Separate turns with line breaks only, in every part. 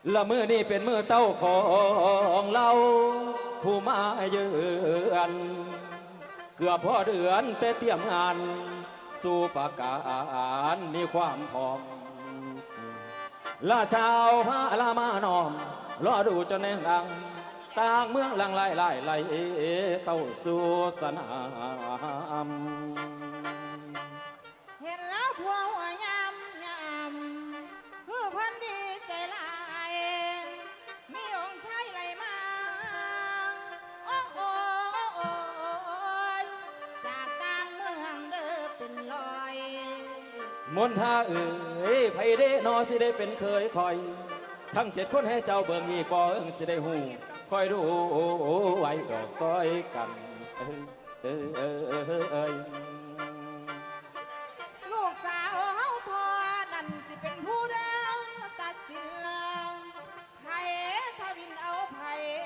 ละมือนี่เป็นมือเต้าของเราผู้มาเยือนเกือบพอเดือนแต่เตรียมงานสู่ประกาศมีความพร้อมละชาวพระละมานอมรอดูจนแน่งดังต่างเมืองหลังไหลเข้าสู่สนาม
เห็นแล้วพวงหัวยำคือพันดีใจลายมีองค์ชายไหลมาโอ้โอยจากกลางเมืองเด้อเป็นลอย
มนท่าไผเด้นอสิได้เป็นเคยคอย ทั้ง7 คนให้เจ้าเบิ่งอีกบ่เอิงสิได้หูคอยดูไว้ดอกซอยกัน
ลูกสาวเฮาทอนั่นสิเป็นผู้เดิมตัดสินไผถ้าวินเอาไผ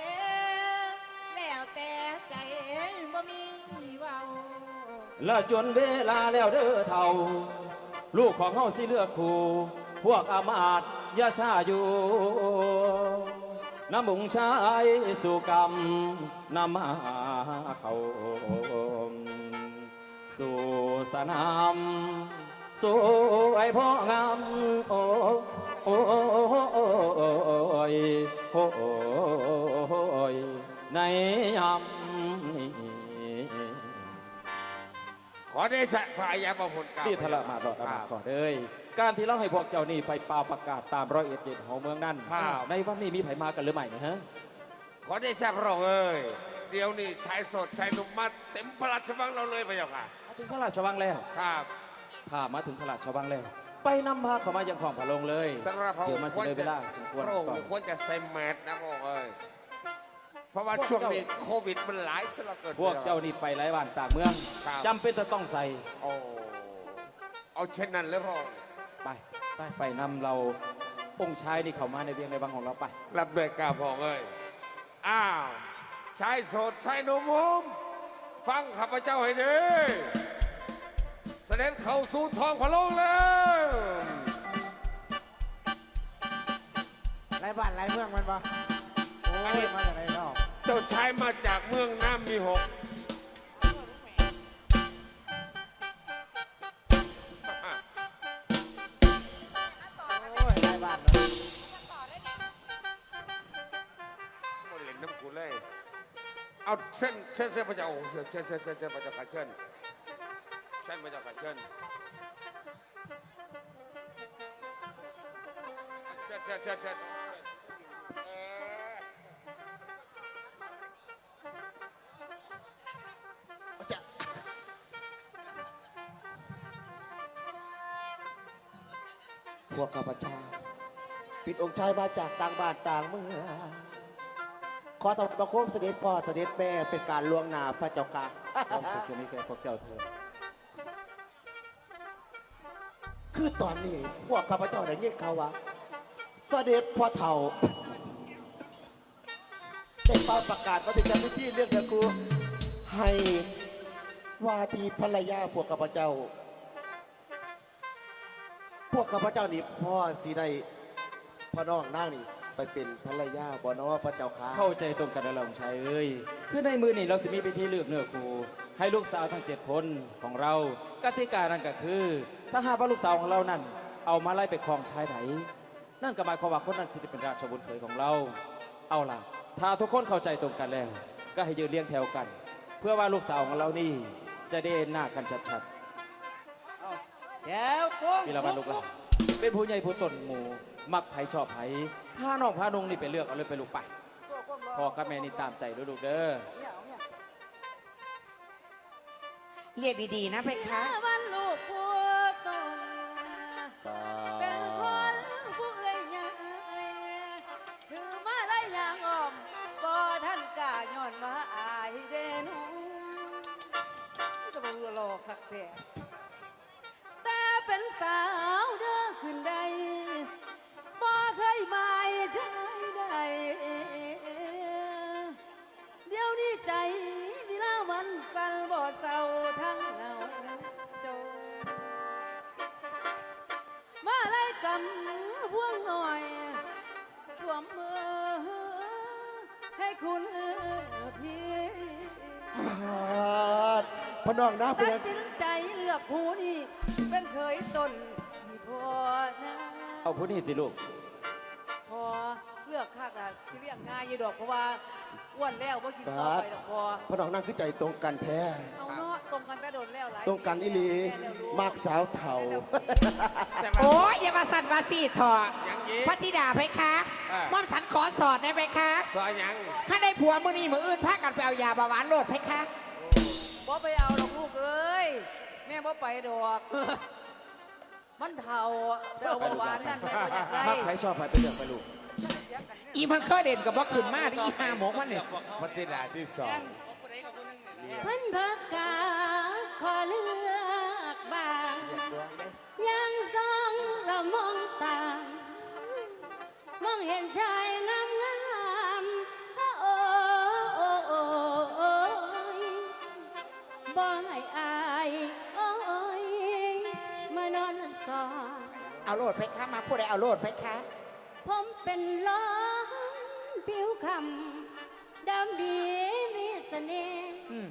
แล้วแต่ใจบ่มีเว้า
และจนเวลาแล้วเด้อเท่า ลูกของเฮาสิเลือกคู่พวกอามาตย์ยาชาอยู่น้ำบุงชายสู่กรรมนำมาเขาสู่สนามสู่ไอพ่องามโอ้โอ้ยโอ้ยในยามนี้
ขอได้สักพายาประพลกล่าว
ที่ทละมาดอกอามาขอเลยการที่เราให้พวกเจ้านี่ไปป่าประกาศตาม101ของเมืองนั่นในวันนี้มีไผมากันหรือไม่นะฮะ
ขอได้สักพระองค์เอ้ยเดี๋ยวนี้ชายสดชายหนุ่มมาเต็มพระราชวังเราเลยพระเจ้าค่ะ
มาถึงพระราชวังแล้ว
ครับ
พามาถึงพระราชวังแล้วไปนำพาเข้ามายังของพระองค์เลย
แต่พระอง
เดี๋ยว
ค์
มาเสนอเวลาสมควร
พระองค์
ก่อน
ควรจะใส่แมสนะพระองค์เอ้ยเพราะว่าช่วงนี้โควิดมันหลายซะเหลือเกิน
พวกเจ้านี่ไปหลายบ้านต่างเมืองจำเป็นจะต้องใส่
โอ้เอาเช่นนั้นเลยพระองค์
ไปนำเราองค์ชายนี่เข้ามาในเวียงในวังของเราไป
รับด้วยกาพระองค์เอ้ยอ้าวชายโสดชายหนุ่มฟังข้าพเจ้าให้ดีเสด็จเข้าสู่ท้องพระโลกแล้ว
ไรบ้านไรเมืองมันปะโอ้ยมาจากไหนเนาะ
เจ้าชายมาจากเมืองน้ำมีหก
โอ้ยไรบ้านเนาะ
หมดเหล็กน้ำกูเลยเอาเส้นพระเจ้าเชิญพระเจ้าค่ะเชิญพระเจ้าค่ะเชิญ
พวกข้าพเจ้าปิดองค์ชายมาจากต่างบ้านต่างเมืองขอถวายบังคมเสด็จพ่อเสด็จแม่เป็นการล่วงหน้าพระเจ้าค่ะ
ความสุขจะมีแก่พวกเจ้าเถิด
คือตอนนี้พวกข้าพเจ้าได้ยินข่าวว่าเสด็จพ่อเฒ่าได้เป่าประกาศว่าจะจัดพิธีเรื่องเดือครูให้ว่าที่ภรรยาพวกข้าพเจ้านี่พ่อสีได้พ่อน้องนางนี่ไปเป็นภรรยาบ่เนาะพระเจ้าค่ะ
เข้าใจตรงกันแล้วเราชายเอ้ยคือในมือนี่เราสิมีพิธีเลือกเนื้อคู่ให้ลูกสาวทั้ง7 คนของเรากติกานั้นก็คือ ถ้าหากว่าลูกสาวของเรานั้นเอามาไล่ไปครองชายไหนนั่นก็หมายความว่าคนนั้นสิจะเป็นราชบุตรเขยของเราเอาล่ะถ้าทุกคนเข้าใจตรงกันแล้วก็ให้ยืนเรียงแถวกัน เพื่อว่าลูกสาวของเรานี่จะได้หน้ากันชัด
แถวปุ๊บ
ๆพี่ละวันลูกหลานเป็นผู้ใหญ่ผู้ต้นหมู่มักไผชอบไผพาน้องพานุ่งนี่ไปเลือกเอาเลยไปลูกไปพ่อกับแม่นี่ตามใจลูกเด้อ
เรียกดีๆนะเพคะ
วันลูกผัวตนเป็นคนผู้เอ่ยใหญ่ถือมาได้อย่างอ้อมบ่ท่านกล้าย้อนว่าอายเด่นจะบอกหลอกคักแต่แต่เป็นสาวเด้อขึ้นใดบ่เคยหมายใจใดเดี๋ยวนี้ใจมีลามันสั่นบ่เศร้าทั้งเหงาโจมาไล่กำพวงหน่อยสวม
พ่อน้องนะเป็
ตั
น
ด
ยัง
สินใจเลือกผู้นี้เป็นเคยตนที่พอนะ
เอาผู้นี้ติลูก
พอเลือกคักอะสิเรียกง่ายอยู่ดอกเพราะว่าอ้วนแล้วว่ากินต่อไปดอกพอ
พ่อน้องนั่งคือใจตรงกันแท้
เอาเนาะตรงกันแต่โดนแล้วหลาย
ตรงกันอีหลี
แแล้วรู้
มากสาวเถ่า
แม่แล้วรู้
โอ้ยอย่ามาสั่นมาสีถอด
ยังยี้
พระธิดาเพคะม่อมฉันขอสอดได้ไหมคะ
ซอยยัง
ถ้าได้ผัวมือนี้มืออื่นพากันไปเอายาเบาหวานโลดเพคะ
บ่ไปเอาดอกลูกเอ้ยแม่บ่ไปดอก มันเท่าไปเอาเบาหวานนั่นแม่บ่อยากได้
มักใครชอบใครไปเลือกไปลูก
อีมันเคยเด่นกับว่าขึ้นมาดิอีห้าหมกมันเนี่ย
พัฒนาที่สอง
เพิ่นพักกาขอเลือกบ้างยังซองเรามองตามมองเห็นชายงามงามโอ้โอ้โอ้ยบ่ให้อายโอ้ยมานอนสอน
เอาโลดเพคะมาพูดได้เอาโลดเพคะ
ผมเป็นล้อมผิวคำดำดีมีเสน่ห์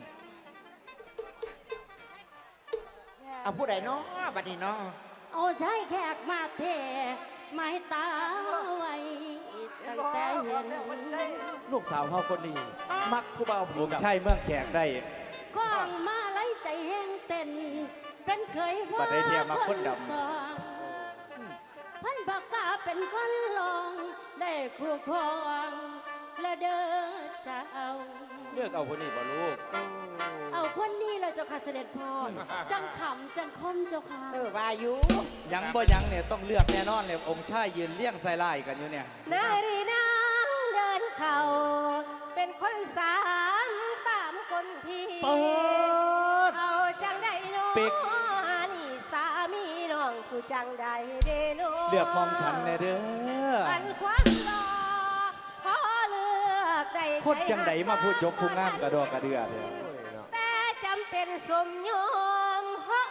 เอาพูดได้เนาะบัดนี้เนาะ
เอาใช้แขกมาเทไม้ตาไว้ตั้งแต่เห็น
ลูกสาวเฮาคนนี้ มักผู้เบาผิว
ใช่เมืองแขกได้
กล้องมาไล่ใจแห้งเต้นเป็นเคยพ่อ
บัดได้เทียมมาคนดำ
สองพันปากกาเป็นคนลองได้คู่ครองและเดินจะเอา
เลือกเอาคนนี้บ่ลูก
เอาคนนี้เลยเจ้าค่ะเสด็จพ่อจังขำจังคมเจ้าค่ะ
วายุ
ยังบ่ยังเนี่ยต้องเลือกแน่นอนเลยองค์ชายยืนเลี้ยงใส่ไล่กันอยู่เนี่ย
นายรีนางเดินเข่าเป็นคนสามตามคนพี่
เปิด
เอาจังได้น้อง
ปิก
นี่สามีน้องผู้จังได้เดโน
เลือกมอมฉันแน่เด้อ
อันความรอพอเลือกได้
โคตรจังไดมาพูดยกผู้งามกระดอกกระเดือเด้อ
แต่จำเป็นสมยอม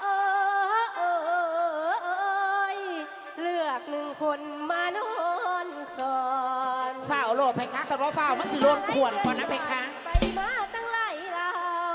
เลือกหนึ่งคนมานอนสอน
ฝ้าเอาโลดเพคะแต่ว่าฝ้ามันสิโลดขวนก่อนนะเพคะ
ไปมาตั้งหลายเรา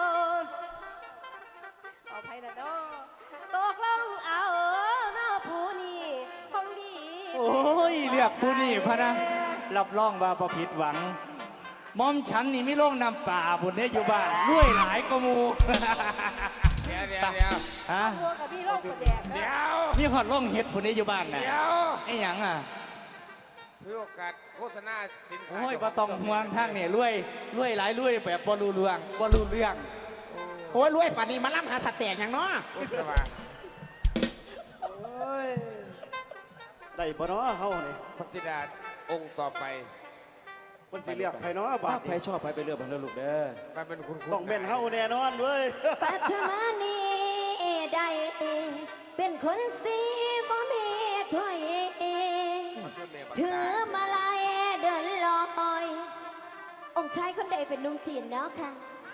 เอาไปนะน้อตกลงเอาน้อผู้นี้คงดี
โอ้ยเลือกผู้นี่พะนะรับรองว่าบ่ผิดหวังมอมฉันนี่มีโรงน้ำป่าบุญเนี่ยอยู่บ้านรวยหลายก็มู
เดี๋ยว
ฮะ
ตัวกับพี่โลกคนแดง
เดี๋
นะ
ยว
มีหอดร่องเห็ดบุญเนี่ยอยู่บ้านน่ะ
เดี๋ยว
ไอ้หยังอ่ะ
ถือโอกาสโฆษณาสินค้า
โอ้ยบ่ต้องห่วงทางเนี่ยรวยหลายรวยแบบบ่รู้เรื่องบ่รู้เรื่อง
โอ้ยรวยป่านนี้มาล่ำหาสเต็กอย่างเนาะ
โฆษณา
โอ้ยได้บ่เนาะเฮานี่
พัฒนาองค์ต่อไป
มันสิเลือกไผเนาะบา
มั
ด
กใคร
นี้
ชอบใครไปเลือกมันเด้อลูกเด้อ
มันเป็นคุณ
ต้องเป็นเฮาแน่นอนเว้ย
ปัทมานีได้เป็นคนสีบ่มีถ้วยถือมาลายเดินลอย องค์ชายคนใดเป็นนุ่มจีนเนาะค่ะ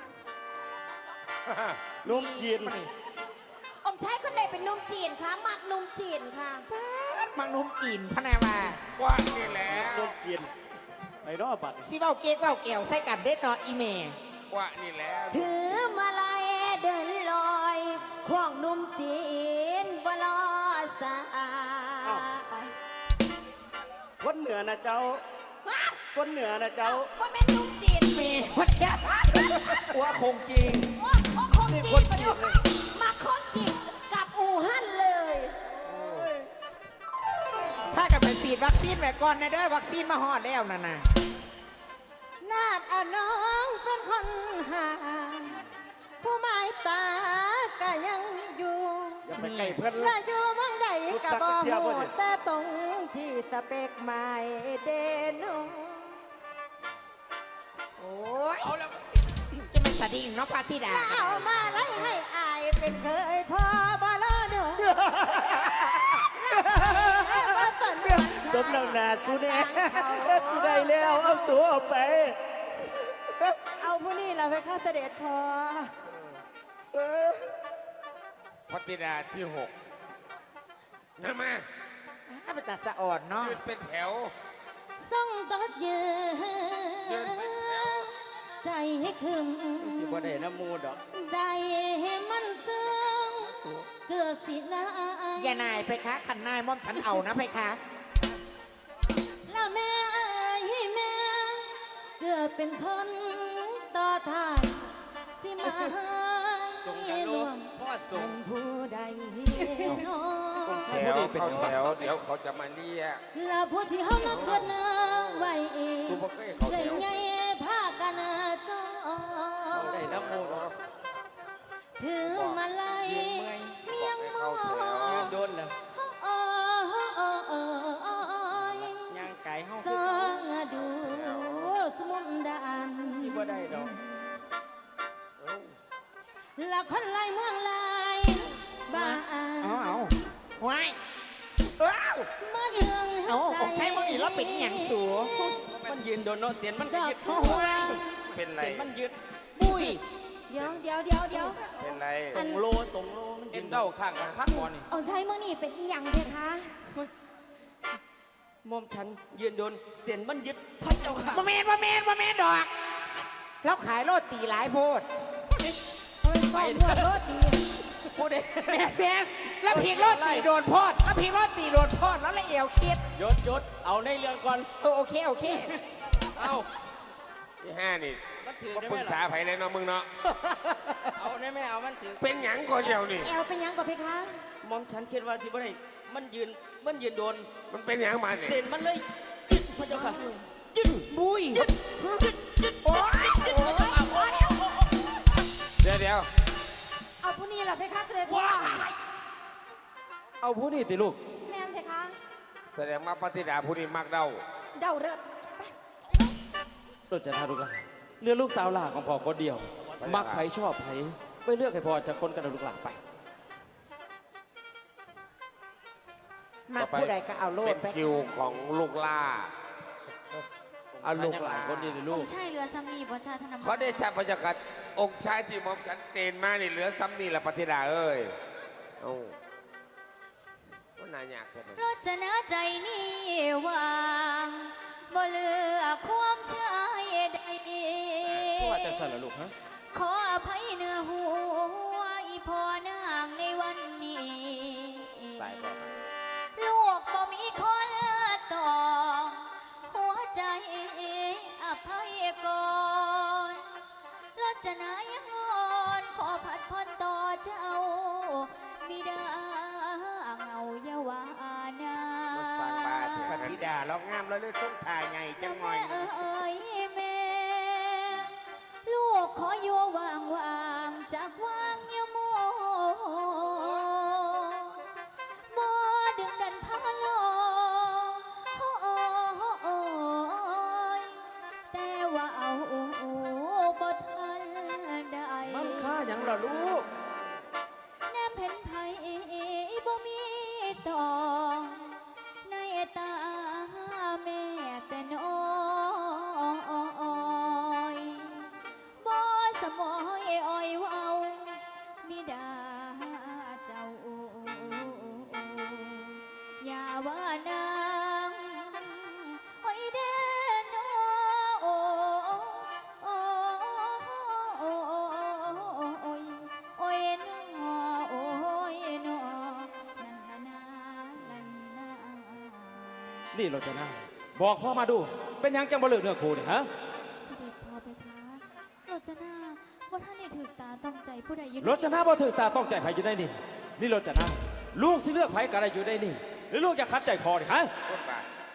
นุ่มจีน
องค์ชายคนใดเป็นนุ่มจีนคะมักนุ่มจีนค่ะ
มังนุ่มกินพะนาว่า
ว่านี่แหละ
นุ่มจีนไอ้เนาะบัดนี้
สิเบ้าเก๊กเบ้าแก้วใส่กันเด็ดเนาะอีเม
ว่านี่แหละ
ถือมาลายเดินลอยของนุ่มจีนบ่ลอสา
คนเหนือนะเจ้า คนเหนือนะเจ้า
ว่าเป็นนุ่มจีน
เมวัดยะ
ว่าคงจริง
ว่าคนจีนมาดูมาคนจีนกับอู่ฮั่นเลย
ถ้ากับไปฉีดวัคซีนไว้ก่อนนะเด้อวัคซีนมาฮอดแล้วนั่นน่ะ
นาดเอาน้องเป็นคนหา ผู้หมายตาก็ยังอยู่
อย่าไปใกล้เพื่อน
และอยู่เมืองใดก็บ่
รู้จักเที่ยวบ่
ฮู้
เนี่ย
แต่ตรงที่สเปกหมายเดโน
โอ้ยจะเป็นสดิ่งเนาะพระธิดา
เอามาไล่ให้อายเป็นเคยพ่อบ่ลอดู
สมน้ำหน้าชูแน่กูได้แล้วเอาตัวออกไป
เอาผู้นี้เราไปฆ่าเสด็จพอ
พัฒนาที่หกนั่นมา
ถ้าเป็นตัดสะอ่อนเนาะ
ยืนเป็นแถว
ส่งตดยื
ยืนเป็นแถว
ใจให้คึม
สิบ่ได้น้ำมูดดอก
ใจให้มันสินาย
อย่านายเพคะขันนายม่อมฉันเอานะเพคะ
ละแม่ให้แม่เกือบเป็นคนต่อทายสิมาลวงเป็นผู้ใดน้อง
แถวเข้าแถวเดี๋ยวเขาจะมาเรียก
และผู้ที่เขามาเกิดน้ไว้เอง
ซูเปอร์เก้เขา
ใจ
แถว
ใหญ่พากันจอง
ได้น้ำมูก
ถือมาไล่เมียงมอง
โดนแล้ว
โอ้ย
ย่างไก่เฮา
สองดูสมุนดาน
สิบ่ได้ดอก
ละคนไล่เมืองไล่บ้าน
เอาไว้ว้าว
มาเดือง
เอาผมใช้มึงอีกแล้วเป็นอหย่างสูง
มันยืนโดนเนาะเสียนมันก็ยึด
โอ้โห
เป็นไร
เสียนมันยึด
บุย
เดี๋ยว
เป็นไร
ส่งโลมันยืนเด้าข้างกันคัดบอลนี่
เอาใช้เมื่อนี่เป็นอีหยังเพคะ
มอมฉันยืนโดนเสียนมันยึดพระเจ้าค่ะ
มาเมนดอก แล้วขายโรตีหลายโพด
ไปด้วยรถดี
พูดเอง
แม่แล้วพีกโรตีโดนโพดแล้วพีกโรตีโดนโพดแล้วละเอวคิด
ยศเอาในเรื่องก่อน
โอเค
เอา
ที่ห้านี่
มันถือ
มา
ได้
ป
ไหม
รึกษา
ล่ะ
ไผเลยเนาะมึงเนาะ
เอาได้ไหมเอามันถือ
เป็นหยังก่อนเดียวนี่
แอลเป็นหยังก่อนเพคะ
มอมฉันคิดว่าสิบ่ได้มันยืนโดน
มันเป็นหยังมาเนี่ย
เสียนมันเลยยึดพระเจ้าค่ะยึด
บุย
โอ้ย
เดี๋ยว
เอาผู้นี้แหละเพคะเสด็จพ่อ
เอาผู้นี่ติลูก
แม่นเพคะ
แสดงว่าปฏิดาผู้นี้มักเดา
เดาเริด
รถจะทาลูกหลานเลือกลูกสาวหลาของพ่อคนเดียว มักไผชอบไผไม่เลือกให้พ่อจะคนกันเอาลูกหลานไป
มาผู้ใดก็เอาโล
เป็
ด
น
ไป
คิวของลูกล่าเอาลูก
ห
ห
ลา
ลาน น
คนนี้เลยลูก
ใช่เรือซัมนีบ่ชาธนม
เขาได้ชาพระเจ้าค่ะองค์ชายที่หมอมฉันเกณฑ์มานี่เหลือซ้ำนี่ละปฏิดาเอ้ยโอ้ว่าน่ายากแค่ไหน
รถจะน่าใจนี่วางบ่เหลือความชายใด
เพราะว่าจะสั่นละลูกฮะ
ขออภัยเนื้อหัวอีพ่อนางในวันนี้
ตายก่อน
ลูกบ่มีคนต่อ หัวใจอภัยก่อนรถจะนายังงอนขอผัดพรต่อเจ้าบิดาเงาเยาวานา
มาสร้างบ้านเถ
ป
อะ
ฏิดาเรางามแล้วเลือดส้มทายไงจังหน่อย
แม่เอ้ยแม่ ลูกขออยู่วางจากวางยโมบ่ดึงดันพาโลโอ้ยแต่ว่าเอาบ่ทันได้
มันค่าหยังล่ะลูก
แนมเห็นไผบ่มีต่อ ในตาแม่แต่น้อยบ่สมอยอ้อยเว้าบิดาเจ้าอย่าว่านางโอ้ยเด้อนโอ้โอ้โอ้โอ้ยนอโอ้ยนอนันนานันนา
นี่รถจะน่าบอกพ่อมาดู เป็นหยังจังบ่เลือกเนื้อคู่นี่ฮะ
เสด็จพ่อไปคะรจนาว่าท่านได้ถือตาต้องใจผู้ใดอยู่
รถจะน่าบ่ถือตาต้องใจไผอยู่ได้นี่ นี่รถจะน่าลูกสิเลือกไผก็ได้อยู่ได้นี่ หรือลูกจะคัดใจพอนี่ฮะ
พูดไป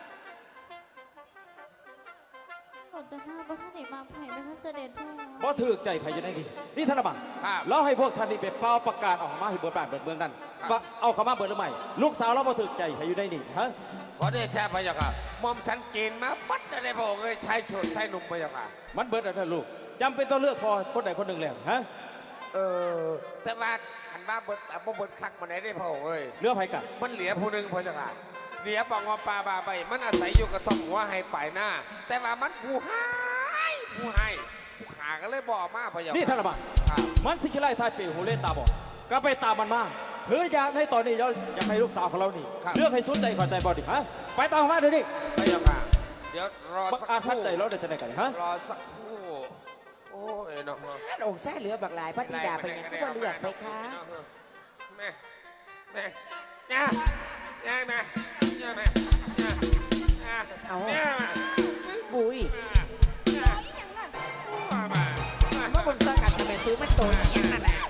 รจนาว่าท่านได้มาไผ่ไหมคะเสด็จพ่อ
บ่ถือใจไผอยู่ได้นี่ นี่ธนบัตร
ครับ
เราให้พวกท่านนี่ไปเป่าประกาศออกมาให้เบิดบ้านเบิดเมืองนั่นว่าเอาเข้ามาเบิดหรือไม่ลูกสาวเราบ่ถือใจไผอยู่ได้นี่ฮะ
ขอได้ชาพระเจ้าค่ะหมอมฉันเกณฑ์มาปัดอะไรพระองค์เอ้ยชายโฉดชายหนุ่มพระเจ้าค่ะ
มันเบิดแล้วนะลูกจำเป็นต้องเลือกพอคนใดคนหนึ่งแล้วฮะ
แต่ว่าขันว่าเบิดอ่ะบ่เบิดคักมาไหนได้พระองค์เอ้ย
เลือกไผกัน
มันเหลือผู้หนึ่งพระเจ้าค่ะเหลือปองอปลาบาใบมันอาศัยอยู่กับท้องหัวให้ปลายหน้า แต่ว่ามันผู้ให้ผู้ขาก็เลยบอกมาพระเจ้า
นี่
นี่
ธนบัตร
ครับ
มันสิคิไล่ทายปีหูเล่นตาบอดก็ไปตามมันมาเพื่ออยากให้ตอนนี้เราอยากให้ลูกสาวของเรานี่เลือกให้สุดใจขอใจบอดิฮะไปตามมาเดี๋ยวนี้
พระเจ้าค่ะเดี๋ยวรอ
บัก
สัก
อาจ
ค
ทัด
รู่
ใจเราได้จะไหนกันฮะ
รอสักครู่โอ้ยเนาะ
ท่านองค์แท้เหลือบักหลายพระธิดาไปยังก็บ่เลือกไปคะ
แม่แม่เนี่ยเนี่ยแม่เนี่ยแม่เนี่ย
เอา
เนี่ย
บุย
มา
เมื่อบนสกัดจะไปซื้อมันโตนี่อย่างนั้นแหละ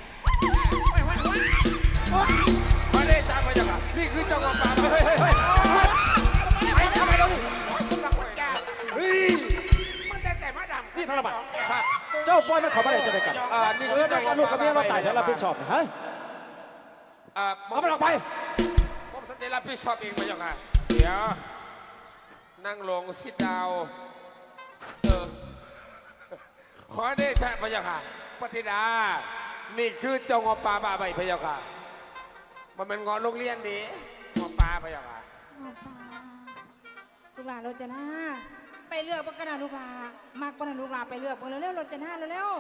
ว้าย
ขอเดชะพระเจ้าค่ะนี่คือเจ้าของป่าเฮ้ยทำไมเราเฮ้ย
มันจะใส่มาดำ
นี่ธนบัตรเจ้าปล่อยมันเขาไม่ได้จะได้กันนี่คือเจ้าลูกกับเมียเราตายแล้วรับผิดชอบฮะเอามันออกไป
ผมสัญญารับผิดชอบเองพระเจ้าค่ะเดี๋ยวนั่งลงซิดดาวขอเดชะพระเจ้าค่ะพระธิดานี่คือเจ้าของป่าบ้าใบพระเจ้าค่ะมันเป็นงอโรงเรียนดีงอป่าพระเจ้าค่ะ
ลูกหลานโรจนาไปเลือกปกระดาลูกหลามากปนะลูกหลาไปเลือกเร็วๆโรจนาเร็ว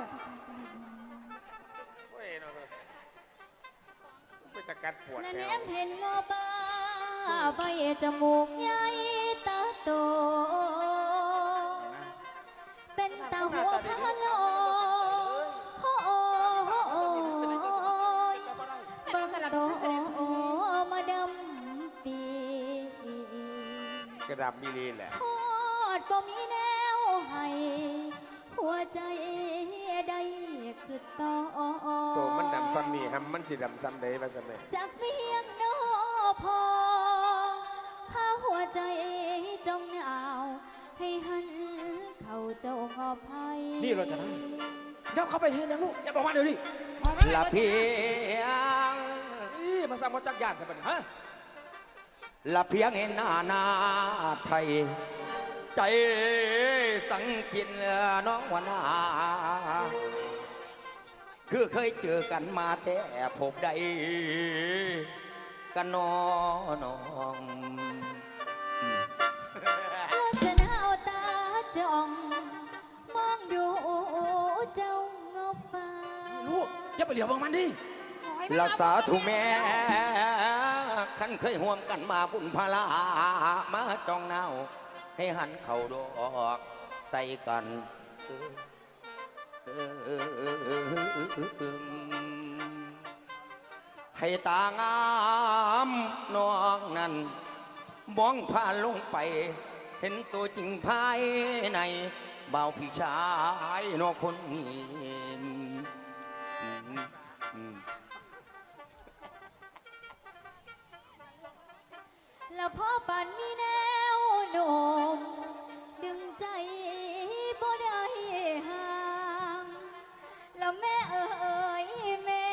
เว้ยน้องไปตะกัดปวด
และ
แล้
แน
ว
มเห็นงอบ้าใบจมูกใหญ่ตาโต เป็นตาหัวพะโลโอ้ยเบิ่งโตมาดำปี
กระดับมิลีแหละ
ทอดบ่มีแนวให้หัวใจได้คือต่อ
ตัวมันดำซ้ำนี่ฮัมมันสีดำซ้ำเด้มาซ้ำเด้
จากเพียงนอพอพาหัวใจจงหนาวให้หันเข้าเจ้างอภัย
นี่เราจะได้เดี๋ยวเข้าไปเห็นยังลูกอย่าบอกว่าเดี๋ยวดิ
ละเพียง
นี่มาสร้างมาจักรยานกันไปฮะ
ละเพียงเห็นหน้าไทย ใจสังกินน้องวนาคือเคยเจอกันมาแต่พบใดกันน้อง
แล้วจะหนาวตาจ้องมองดูเจ้างอป่า
ลูกอย่าไปเหลียวบางมันดิ
ๆ
ละสาธุแม่ขันเคยห่วมกันมาบุญพลามาจองเนาให้หันเข่าดอกใส่กันให้ตางามน้องนั้นมองผ่านลงไป เห็นตัวจริงภายในเบาพี่ชายนอคนนี้
แล้วพ่อปันมีแนวโน้มดึงใจบ่ได้ห่างแล้วแม่เอ๋ยแม่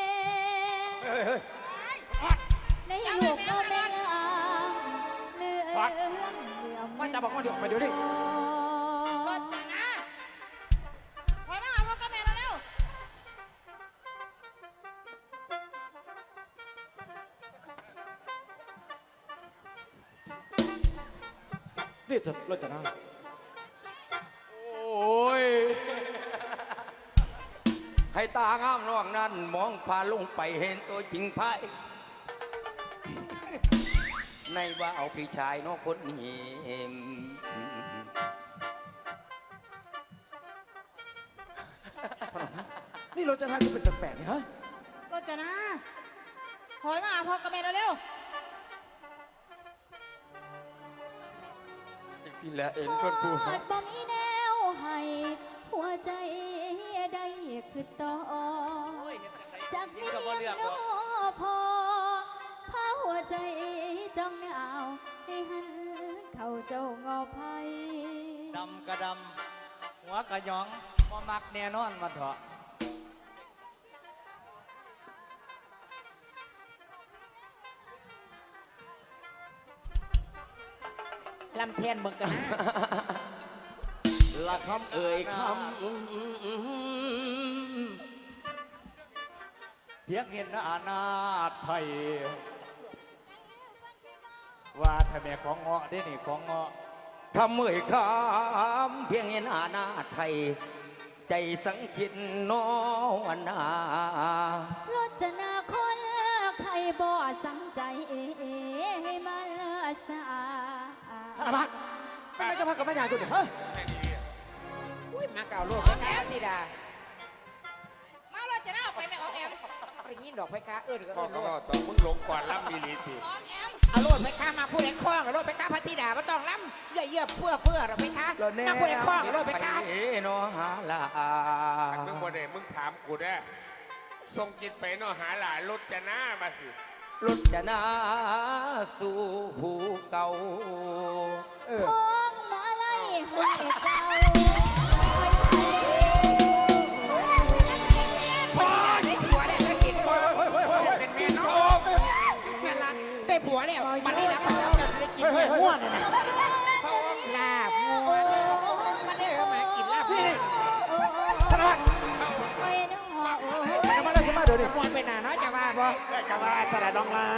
ในลูกก็แม่งามเลื่อม
ว่าจะบอกว่าเดี๋ยวไปเดี๋ยวดิ
โรจนาถอยมาหาพ่อกับแม่เร็ว
นี่จะเราจะได้
โอ้ย ให้ตางามน้องนั้นมองผ่านลงไปเห็นตัวจริงภายในว่าเอาพี่ชายน้องคนนี้
นี่เราจะได้จะเป็นแปลกๆนี่ฮะ
โรจนาถอยมาหาพ่อกับแม่เร็ว
สิละเอ็น
พ
คนผู้
อดบ่มีแนวให้หัวใจได้คือต่อจากเพียงนอพอพาหัวใจจ้องหนาวให้หันเข้าเจ้างอภัย
ดำกระดำหัวกระหยองมามักแน่นอนมาเถอะ
ลำเทียนเบิ่งกันนะ
ละคำเอ่ยค
เพียงเห็นหน้าไทย ว่าถ้าแม่ของเงาะได้นี่ของเงาะ
คำเอ่ยคำเพียงเห็นหน้าไทย ใจสังคิดน้องนา
รจนาคนใครบ่สังใจให้มันสา
ำธนบัตรเป็นอะไรกับพระกับแม่ยายกูเนี่ยฮะ
อุ้ยมาเก่าโลกแล้วนะธิดา
ๆมาโรจนาออกไปแม่ออกแอม
ได้ยินดอกเพคะเอิ้นก็
ก็
เอิ้นโล
ก็
ด
ต่อมึงลงก่อนรับมีลีติ
เอาโลดเพคะมาพูดไอ้คล้องเอาโลดเพคะพระธิดาบ่ต้องล้ำเยื่อเฟื่อหรอกเพคะมาพูดไอ้คล้องเอาโลดเพคะ
ไปเนาะหาลา
มึงบ่ได้มึงถามกูได้ส่งจิตไปเนาะหาหลานรถจะหน้ามาสิ
รถจะนาสู่ภูเก่า
ท้องมาไล่ให้เจ้า
พอได้ผัวแล้วไม่กินบ่เป็นแม่น้องเงินละได้ผัวแล้วมันนี่ละพระเจ้าจะได้กินเนื้อง่วนน่ะนะลาบง่วนมาเด้อมากินลาบง่วน
ไปน้องหัวโอ้
มาเลยขึ้นมาเดี๋ยวนี้
จะม่วนเป็นหน้าเนาะจะว่าบ่จะว่าสระดองลา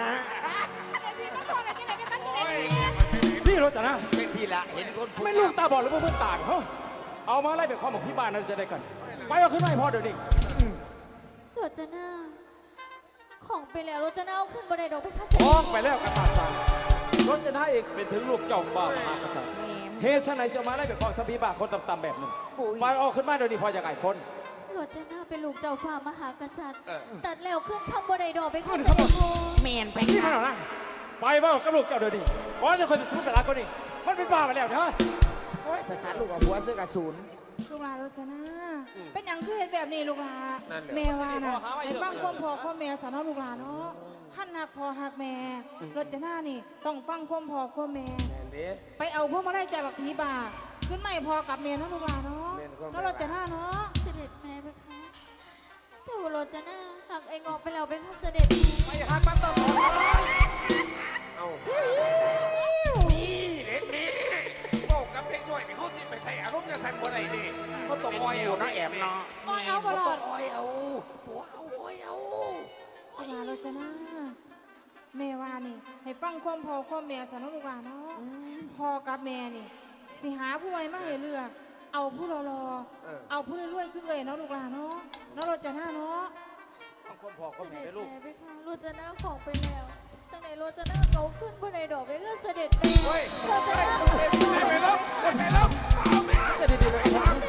นี่รถจ้ะนะ
เป็นพี่ละเห็นคนพูด
ไม่ลูกตาบอดหรือว่าเพื่อนตาเหรอเอามาไล่เป็นความของพี่บ้านเราจะได้กันไปเอาขึ้นมาให้พ่อเดี๋ยวนี้
โรจนาของไปแล้วโรจนาเอาขึ้นบันไดดอกไปค่ะ
ออกไปแล้วกระตากสั่งรถจะน่าเอกเป็นถึงลูกเจ้าบ่าวมหากษัตริย์เหตุฉะไหนจะมาไล่เป็นความสบีบาคนต่ำๆแบบนึงไปเอาขึ้นมาเดี๋ยวนี้พ่อจะไก่คน
โรจนาเป็นลูกเจ้าฟ้ามหากษัตริย์ ตัดแล้วขึ้นคำบันไดดอกไปค่ะ
ขึ้น
เส
ข้างบ
ด็
น
จพ่อ
แมนไป
นี่
ค่ะ
มันเหรอนะไปว่ากับลูกเจ้าเดี๋ยวนี้ก่อนจะคอยไปสู้แต่ละคนนี่มันเป็นบ้าไปแล้วเนอะ
โอ้ยภาษาลูกกับหัวซื้อกับศูนย์
ลูกหลานรจนาเป็นอย่างคือเห็นแบบนี้ลูกหลาน
นั่นแหละ
แม่ว่าน่ะให้ฟังความพ่อความแม่สอนเอาลูกหลานเนาะขั้นหักพ่อหักแม่รจนานี่ต้องฟังความพ่อความแม่ ไปเอาพวกมาได้ใจบักผีบ่าขึ้นไม่พอกับเมียเนาะลูกหลานเนาะแล้วรจนาเนาะ
เสด็จแม่ไปค่ะแต่ว่าโรจนาหักไอ้งอกไปแล้วไปค่ะเสด็จ
ไปหักมันต่อ
เอานี่เด็กนี่บอกกับเด็กน้อยนี่เขาสิไปใส่อารมณ์จะสั่นบ่ได้ดิเขาต้องคอยเอา
เนาะแอบเนาะ
โอ้ยเอาตลอด
คอยเอาตัวเอาคอยเอา
ลูกหลานรจนาแม่ว่านี่ให้ฟังความพ่อความแม่สอนเอาลูกหลานเนาะพ่อกับแม่นี่สิหาผู้ไว้มาให้เลือก เอาผู้รอๆเอาผู้รวยๆขึ้นเลยเนาะลูกหลานเนาะเนาะรจนาเนาะ
ฟังความพ่อความ
เส
แม่
ด็จ
ได้ลูก
แม่ไปค่ะโรจนาของไปแล้วจังไหนโรจนาเขาขึ้นบันไดดอกไปค่ะเสด็จแม่โรจนา
ไปแล้วไปแล้วเอาแม่
จะดีๆเลย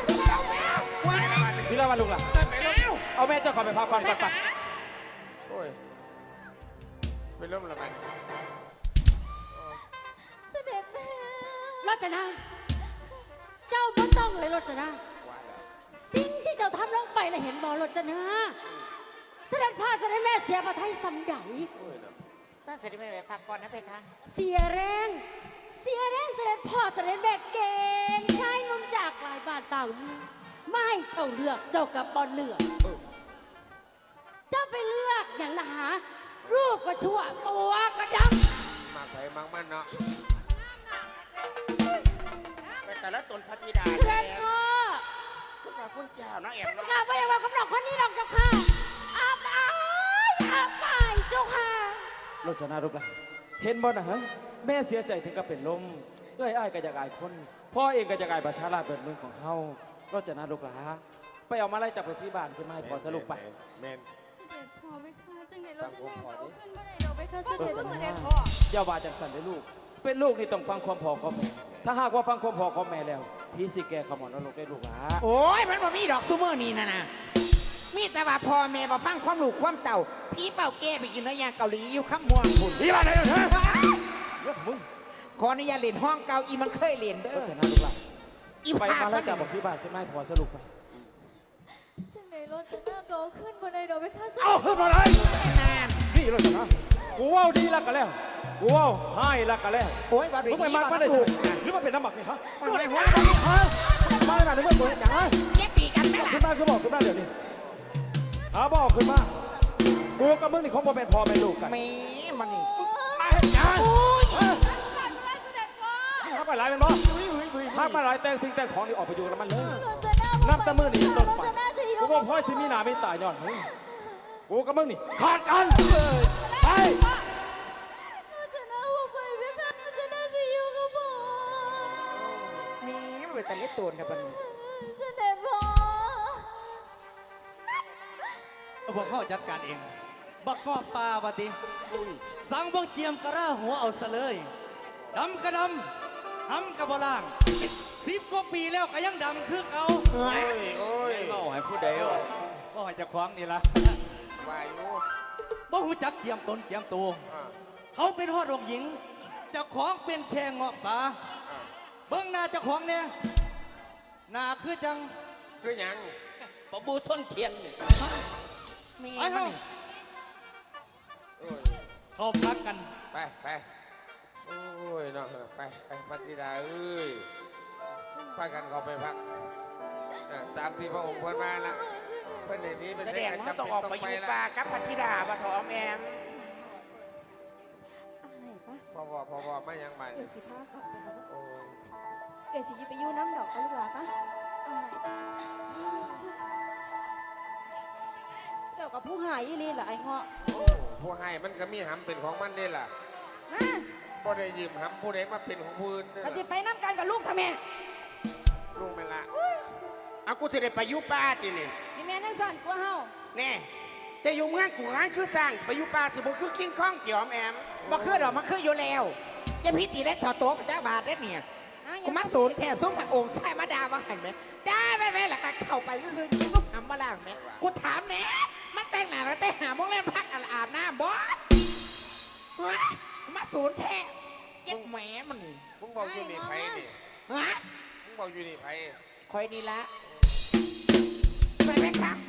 นี่ละวันลุงล่ะเอาแม่เจ้าขอไปพักก่อนสักปัก
โอ้ยไปเริ่มแล้วกัน
เสด็จแม่
รัตนา เจ้าไม่ต้องเลยรัตนา สิ่งที่เจ้าทำลงไปนะเห็นบอรัตนาเสด็จพ่อเสด็จแม่เสียพระทัยสำใด
ซาเสด็จแม่ไปพักก่อนนะเพคะ
เสียแรง เสียแรงเสด็จพ่อเสด็จแม่เก่งชายหนุ่มจากหลายบ้านต่างเมืองไม่ให้เจ้าเลือกเจ้ากับบอลเลือก เจ้าไปเลือกอย่างนะหารูปก็ชั่วตัวก็ดำ
มากไปมากมันเนาะ
ไปแต่ละตนพระธิดา
เสด็จพ่อ
คุณพระคุณเจ้าเนาะแอบ
เป็น
เนาะ
การพยาบาลกำลังคนนี้หรอกเจ้าค่ะอาบอายอาบอายเจ้าค่ะ
โรจนาลูกล่ะเห็นบ่นะฮะแม่เสียใจถึงกับเป็นลมเอ้ยอ้ายก็จะกายคนพ่อเองก็จะกายประชาราชเป็นเมืองของเฮาโรจนาลูกล่ะไปเอามาไล่จับไปที่บ้านขึ้นมาให้พอสรุปไป
แมน
เสด็จพ่อไปค่ะจังไหนโรจนาเขาขึ้นบันไดดอกไปค่ะเส
โร
ด็จ
จ
พ่อ
นาอย่าว่าจังสันเลยลูก เป็นลูกนี่ต้องฟังความพ่อความแม่ ถ้าหากว่าฟังความพ่อความแม่แล้ว พี่สิแกขมอนนรกได้ลูกหลา
โอ้ยมันบ่มีดอกซูเมอร์นี่นะมีแต่ว่าพ่อแม่บ่ฟังความลูกความเต่าพี่เป่าแก้ไปกินเนื้อย่างเกาหลีอยู่ข้ามม่วงพุ่น
พี่บ้านไหนเถอะเรื่องของมึง
ขออนุญาตเล่นห้องเก่าอีมันเคยเล่นเด้
โร
อ
จนาลูกหลา
อี
ไป
ภาพ
มา
มั
ไล่
น
จับบอกพี่บ้านขึ้นมาให้พอสรุปไป
จังไหนโรจนาเขาขึ้นบันไดดอกไปค่ะเสด็
เอา
จ
ขึ้นมาเลย
นาน
นี่โรจนากูว่าดีแล้วกันแล้ว กูว่าให้แล้วกันแล้ว
โอ้ยบ่ได้
มึงไปมากมาได้
ถู
ถู
ก
กหรือมันเป็นน้ำหมักนี่ฮะ
มันบ่ได้หัว
ฮะมาหน่อยนึกว่าตัวอย่างไร
แยกปีกันไหมล่ะ
ขึ้นมาคือบอกขึ้นมาเดี๋ยวนี้หาบอกขึ้นมากูกับมึงนี่คงบ่เป็นพ่อเป็นลูกกัน
แม่มันนี่
มาเห็นยัง
โอ้ย
ถ้าไปหลายเป็นบ่ถ้าไปหลายแต่งสิ่งแต่งของนี่ออกไปอยู่กับมันเลย
โรจนา
นับแต่มือนี่ต้น
โร
ไป
จนาจะอยู่
กูว่าพ่อสิมีหนาไม่ตายย้อนมึงกูกับมึงนี่ขาดกันไป
โรจนาว่าไปไปค่ะโรจนาจะอยู่กับพ่อ
แม่มันเป็นตะเล็ดตัวนะปัน
เสด็จพ่อ
เอาพวกเขาจัดการเอง บักกอบปลาบัดนี้สั่งบักเจียมกระร่าหัวเอาซะเลยดำกระดำทำกระบล่าง10 กว่าปีแล้วก็ยังดำคือเอา
เฮ้ย
โอ้ย
เล่าให้ผู้ใด
ก็ให้เจะคว้าของนี่ละ
วายโอ้
บ่หูจักเจียมตนเจียมตัว
อ่า
เขาเป็นฮอดองค์หญิงเจ้าของเป็นแค่เงาะป่า
อ่า
เบิ้งหน้าเจ้าของเนี่ยหน้าคือจัง
คือหยัง
ปะบูส้นเขียน
ไอ้เฮา
โอ้ย
เขาพักกัน
ไปโอ้ยเนาะไปพัทิดาเอ้ยพากันเขาไปพักตามที่พระองค์พูดมาละเพื่อนในนี้เป็น
แสดงว่าต้องออกไปอยู่ป่ากับพัทธิดาปะทอมแอม
พอไม่ยังใหม่
เดี๋ยวสิพากลับไปแล้ว
โอ้ย
เดี๋ยวสิไปอยู่น้ำดอกเอาลูกหลานปะเจ้ากับผู้หายอีลีเหรอไอ้เงาะ
ผู้ให้มันก็มีหำเป็นของมันนี่ล่ะ
มา
บ่ได้ยืมหำผู้ใดมาเป็นของผู้อื่นเด้อ
ปฏิไปน้ำกันกับลูกทำไม
ลุงไม่ละ
เอากูจะได้ไปอยู่ป่าทีนี่
นี่แม่นั่นสั่นกว่าเฮา
แน่แต่อยู่เมืองกูร้านคือสร้างไปอยู่ป่าสิบ่คือคิงคองเกี่ยวแอมบ่คือดอกมันคืออยู่แล้วอย่าพี่ตีเล็กถอดโต๊ะพระเจ้าบาทได้เนี่ยกูมาสูนแท้ส้มกับองค์ใส่มาดาว่าหันไหมได้ไหมล่ะก็เข้าไปซื้อๆซุ่มหำมาล่างไหมกูถามแน่มันแต่งหน้าแล้วแต่หาโมงเล่นพักอาบน้ำบอสมาสูนแท้เจ็บแหมมัน
มึงบอกอยู่นี่ไผนี่
ฮะ
มึงบอกอยู่นี่ไผ
คอยนี่ละไปไหมครับ